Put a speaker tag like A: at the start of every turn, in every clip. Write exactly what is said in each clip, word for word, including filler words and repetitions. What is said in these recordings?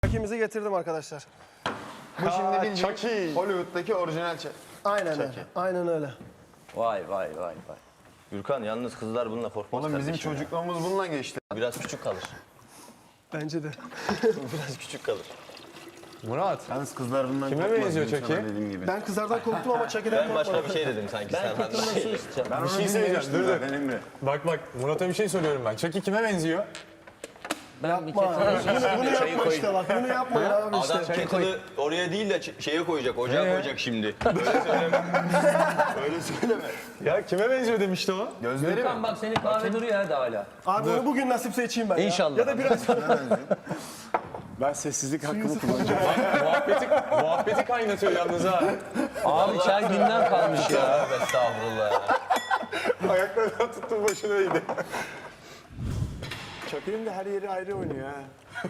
A: Chucky'mizi getirdim arkadaşlar.
B: Bu şimdi bildiğin
C: Chucky.
B: Hollywood'daki orijinal Chucky.
A: Aynen öyle. Aynen öyle.
D: Vay vay vay vay. Gürkan yalnız kızlar bununla korkmaz
B: Oğlum bizim
D: kardeşim ya.
B: çocukluğumuz bununla geçti.
D: Biraz küçük kalır.
A: Bence de.
D: Biraz küçük kalır.
C: Murat.
B: Yalnız kızlar bundan
C: Kime
B: korkmaz,
C: benziyor
B: benim sana
C: Chucky?
B: dediğim gibi.
A: Ben kızlardan korktum ama Chucky'den
D: Ben başka
A: korkmadım.
D: bir şey dedim sanki. Ben
A: Ben kötü nasıl
B: Ben
C: Bir
B: onu
C: şey söyleyeceğim,
B: dinlemiştim
C: dur, dur.
B: zaten Emre.
C: Bak bak Murat'a bir şey söylüyorum ben. Chucky kime benziyor?
D: Ben bir
A: Yapma. Bunu, bunu yapma işte bak. Bunu yapmayın abi işte.
D: Adam kettle'ı oraya değil de ç- şeye koyacak, ocağa
C: Ee?
D: koyacak şimdi. Böyle söyleme. Böyle söyleme.
C: Ya kime benziyor demişti o?
B: Gözleri mi?
E: Gürkan bak senin kahve duruyor hadi hala.
A: Abi onu bugün nasipse içeyim ben ya.
E: İnşallah.
A: Ya da biraz
F: Ben sessizlik hakkımı kullanacağım.
C: muhabbeti, muhabbeti kaynatıyor yalnız ha.
E: Abi çay günden kalmış ya.
D: Tövbe estağfurullah ya.
C: Ayaklarından tuttum başına iyiydi.
F: Chucky'nin de her yeri ayrı oynuyor ha.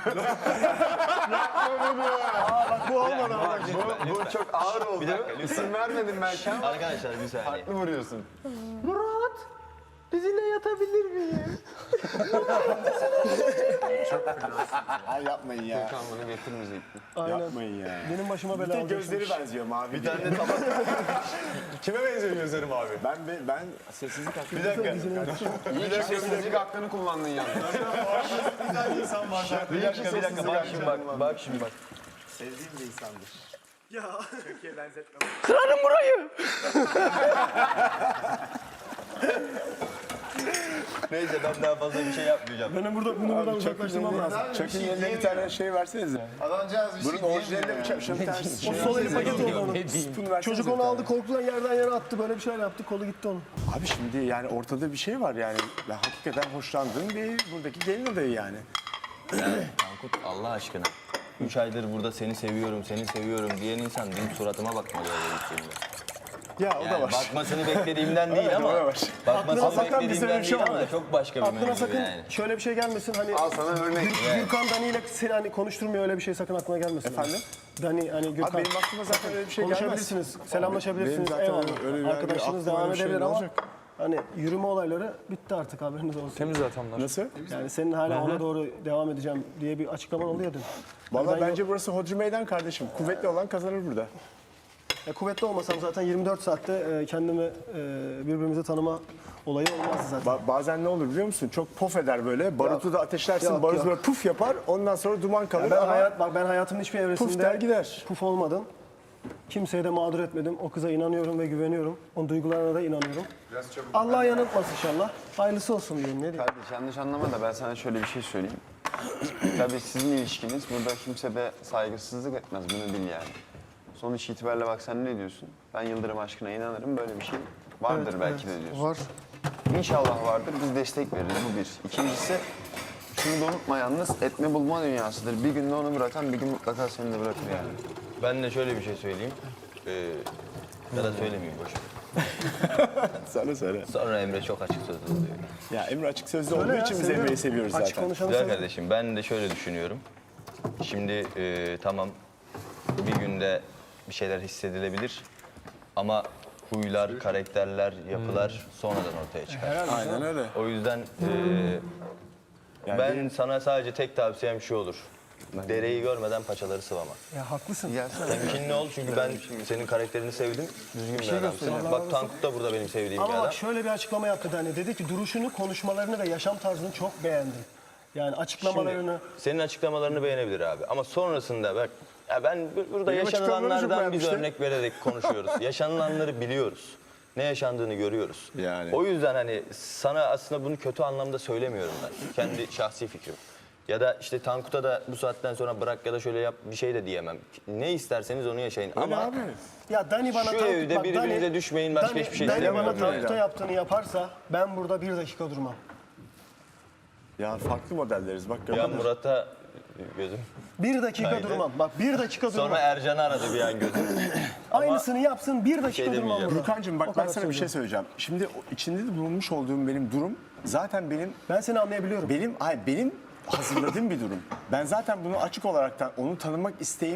A: bak bu olmadı ama.
B: Bu, bu çok ağır oldu.
D: Bir dakika, lütfen.
B: İsim vermedim belki ama
D: Arkadaşlar bir saniye.
B: haklı vuruyorsun.
F: Ay yapmayın ya.
B: Kan bunu getirmeyecektim.
A: Aynen.
F: Yapmayın ya.
A: Benim başıma bela
F: Bir tek
A: olacak.
F: gözleri benziyor mavi.
D: Bir tane de tabak.
C: Kime benziyor gözlerim abi?
F: Ben ben, ben sessizlik hakkımı
D: Bir dakika.
B: İyi ki sessizlik hakkını kullandın yalnız.
D: Bir dakika, bir dakika. Bak şimdi bak, bak şimdi bak.
F: sevdiğim bir insandır.
A: Ya.
F: Chucky'ye benzetmem.
D: Neyse ben daha fazla bir şey yapmayacağım.
A: Benim burada bunu buradan uzaklaştırmam lazım.
F: Chucky'nin eline bir tane şey versenize.
B: Adamcağız bir
F: Bunun
B: şey
F: orijinalinde
B: diyemiyor
F: bir şöyle bir tane
A: O
F: şey
A: sol eli paket oldu onun.
F: spoon versenize
A: Çocuk
F: bir
A: onu
F: tane.
A: aldı korkudan yerden yere attı. Böyle bir şeyler yaptı. Kolu gitti onun.
F: Abi şimdi yani ortada bir şey var yani. Ben hakikaten hoşlandığım bir buradaki gelin adayı yani.
D: Tankut Allah aşkına. Üç aydır burada seni seviyorum, seni seviyorum diyen insan benim suratıma bakmalı öyle gittiğimde.
F: Ya o da
D: Yani
F: var.
D: bakmasını beklediğimden değil
F: Evet,
D: ama
F: o da var.
D: bakmasını
A: Aklına sakın
F: bize
D: beklediğimden
F: bir şey
D: değil ama
F: olmadı.
D: çok başka bir
A: Aklına
D: mevzu
A: sakın
D: yani.
A: şöyle bir şey gelmesin. Hani
B: Al sana örnek.
A: Gürkan Dani ile seni hani konuşturmuyor öyle bir şey sakın aklına gelmesin.
F: Efendim?
A: Dani hani Gürkan.
F: Abi benim aklıma zaten öyle bir şey gelmez.
A: Konuşabilirsiniz,
F: Benim
A: selamlaşabilirsiniz.
F: zaten
A: Eyvallah.
F: öyle bir-
A: Arkadaşınız
F: aklıma
A: devam
F: öyle bir şey
A: edebilir
F: ne
A: ama
F: olacak?
A: hani yürüme olayları bitti artık haberiniz olsun.
C: Temiz atamlar.
F: Nasıl?
A: Yani senin hala ona doğru devam edeceğim diye bir açıklaman oluyor dün.
F: Valla
A: Ben
F: bence burası hodri meydan kardeşim. Kuvvetli olan kazanır burada.
A: Ya kuvvetli olmasam zaten yirmi dört saatte e, kendimi e, birbirimizi tanıma olayı olmazdı zaten.
F: Ba- bazen ne olur biliyor musun? Çok pof eder böyle. Barutu da ateşlersin.
A: Yok,
F: barut
A: yok.
F: böyle puf yapar. Ondan sonra duman kalır.
A: Ben
F: ama
A: hayat bak ben hayatımın hiçbir evresinde
F: puf der gider.
A: puf olmadım. Kimseye de mağdur etmedim. O kıza inanıyorum ve güveniyorum. Onun duygularına da inanıyorum. Allah yanıltmasın inşallah. Hayırlısı olsun diyeyim ne diyeyim.
B: Kardeş yanlış anlama da ben sana şöyle bir şey söyleyeyim. Tabii sizin ilişkiniz burada kimse de saygısızlık etmez bunu bil yani. Sonuç itibariyle bak sen ne diyorsun? Ben Yıldırım aşkına inanırım böyle bir şey vardır belki de diyorsun.
A: Var.
B: İnşallah vardır biz destek veririz bu bir. İkincisi şunu da unutma yalnız etme bulma dünyasıdır. Bir günde onu bırakan bir gün mutlaka seni de bırakır yani.
D: Ben de şöyle bir şey söyleyeyim. Ee, ya da söylemeyeyim boş. ver.
F: Söyle söyle.
D: Sonra Emre çok açık sözlü oluyor.
F: Ya Emre açık sözlü
A: Söyle
F: olduğu
A: ya,
F: için biz
A: seviyorum.
F: Emre'yi seviyoruz
A: Açık
F: zaten.
A: konuşanı
D: Güzel
A: seviyorum.
D: kardeşim ben de şöyle düşünüyorum. Şimdi e, tamam bir günde bir şeyler hissedilebilir ama huylar, karakterler, yapılar sonradan ortaya çıkar.
F: Aynen öyle.
D: O yüzden e,
F: Yani
D: ben
F: benim-
D: sana sadece tek tavsiyem şu olur. Dereyi görmeden paçaları sıvama.
A: Ya haklısın.
D: Temkinli ol çünkü ben senin karakterini sevdim. Düzgün bir adamsın. Bak Tankut da burada benim sevdiğim bir
A: Ama
D: adam.
A: bak şöyle bir açıklama yaptı Dani. Dedi ki duruşunu, konuşmalarını ve yaşam tarzını çok beğendim. Yani açıklamalarını.
D: Senin açıklamalarını beğenebilir abi. Ama sonrasında bak ya ben bu- burada
F: Benim açıklamalarımı çok
D: yaşanılanlardan biz
F: beğenmişti.
D: örnek vererek konuşuyoruz. Yaşanılanları biliyoruz. Ne yaşandığını görüyoruz.
F: Yani.
D: O yüzden hani sana aslında bunu kötü anlamda söylemiyorum ben. Kendi şahsi fikrim. Ya da işte Tankut'a da bu saatten sonra bırak ya da şöyle yap bir şey de diyemem. Ne isterseniz onu yaşayın. Ama
F: abi.
A: Ya Dani bana
D: Şu
A: Tankut-
D: evde
A: bak,
D: birbirinize
A: Dani-
D: düşmeyin, başka
A: Dani-
D: hiçbir şey
A: Dani
D: istemiyorum
A: bana
D: yani.
A: Tankut'a yaptığını yaparsa ben burada bir dakika durmam.
F: Ya farklı modelleriz bak
D: ya
F: gördün mü?
D: Murat'a gözüm.
A: Bir dakika
D: Haydi.
A: durmam. Bak bir dakika durmam.
D: Sonra Ercan'ı aradı bir an gözüm.
A: Aynısını yapsın bir dakika
D: şey
A: durmam
D: demeyeceğim.
A: burada.
F: Gürkan'cığım bak
A: O
F: ben
A: kadar
F: sana bir şey
A: söylüyorum.
F: söyleyeceğim. Şimdi o içinde de bulunmuş olduğum benim durum zaten benim
A: Ben seni anlayabiliyorum.
F: benim ay benim hazırladığım bir durum. Ben zaten bunu açık olaraktan onu tanımak isteğim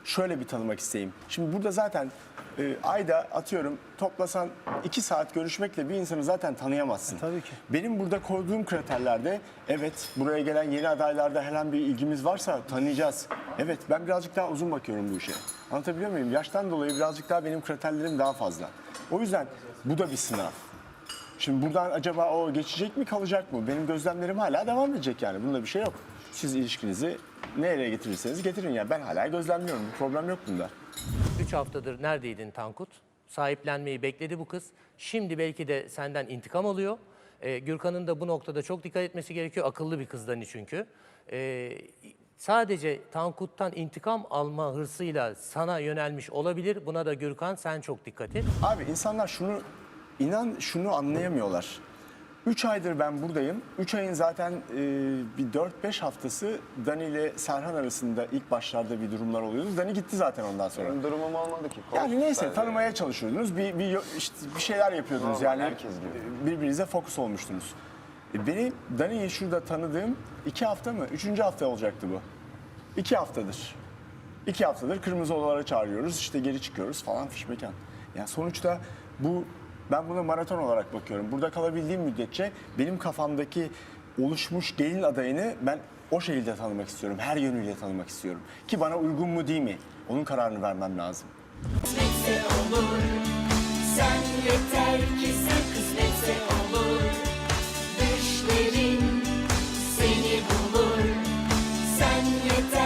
F: şöyle bir tanımak isteyeyim. Şimdi burada zaten e, ayda atıyorum toplasan iki saat görüşmekle bir insanı zaten tanıyamazsın.
A: Tabii ki.
F: Benim burada koyduğum kriterlerde evet buraya gelen yeni adaylarda herhangi bir ilgimiz varsa tanıyacağız. Evet ben birazcık daha uzun bakıyorum bu işe. Anlatabiliyor muyum? Yaştan dolayı birazcık daha benim kriterlerim daha fazla. O yüzden bu da bir sınav. Şimdi buradan acaba o geçecek mi kalacak mı? Benim gözlemlerim hala devam edecek yani. Bunda bir şey yok. Siz ilişkinizi nereye getirirseniz getirin ya. Ben hala gözlemliyorum. Bir problem yok bunda.
G: Üç haftadır neredeydin Tankut? Sahiplenmeyi bekledi bu kız. Şimdi belki de senden intikam alıyor. Ee, Gürkan'ın da bu noktada çok dikkat etmesi gerekiyor. Akıllı bir kızdan çünkü. Ee, sadece Tankut'tan intikam alma hırsıyla sana yönelmiş olabilir. Buna da Gürkan sen çok dikkat et.
F: Abi insanlar şunu, inan şunu anlayamıyorlar. Üç aydır ben buradayım. Üç ayın zaten e, bir dört beş haftası Dani ile Serhan arasında ilk başlarda bir durumlar oluyordu. Dani gitti zaten ondan sonra.
B: Benim durumum olmadı ki.
F: Yani neyse
B: Sadece-
F: tanımaya çalışıyordunuz. Bir, bir, işte bir şeyler yapıyordunuz
B: Normal,
F: yani.
B: herkes gibi.
F: Birbirinize fokus olmuştunuz. E, Beni Dani'yi şurada tanıdığım iki hafta mı? Üçüncü hafta olacaktı bu. İki haftadır. İki haftadır kırmızı odalara çağırıyoruz. İşte geri çıkıyoruz falan fişmekan. Yani sonuçta bu ben buna maraton olarak bakıyorum. Burada kalabildiğim müddetçe benim kafamdaki oluşmuş gelin adayını ben o şekilde tanımak istiyorum. Her yönüyle tanımak istiyorum. Ki bana uygun mu değil mi? Onun kararını vermem lazım.
H: Kısmetse olur. Sen yeter ki sen kısmetse olur. Düşlerin seni bulur. Sen yeter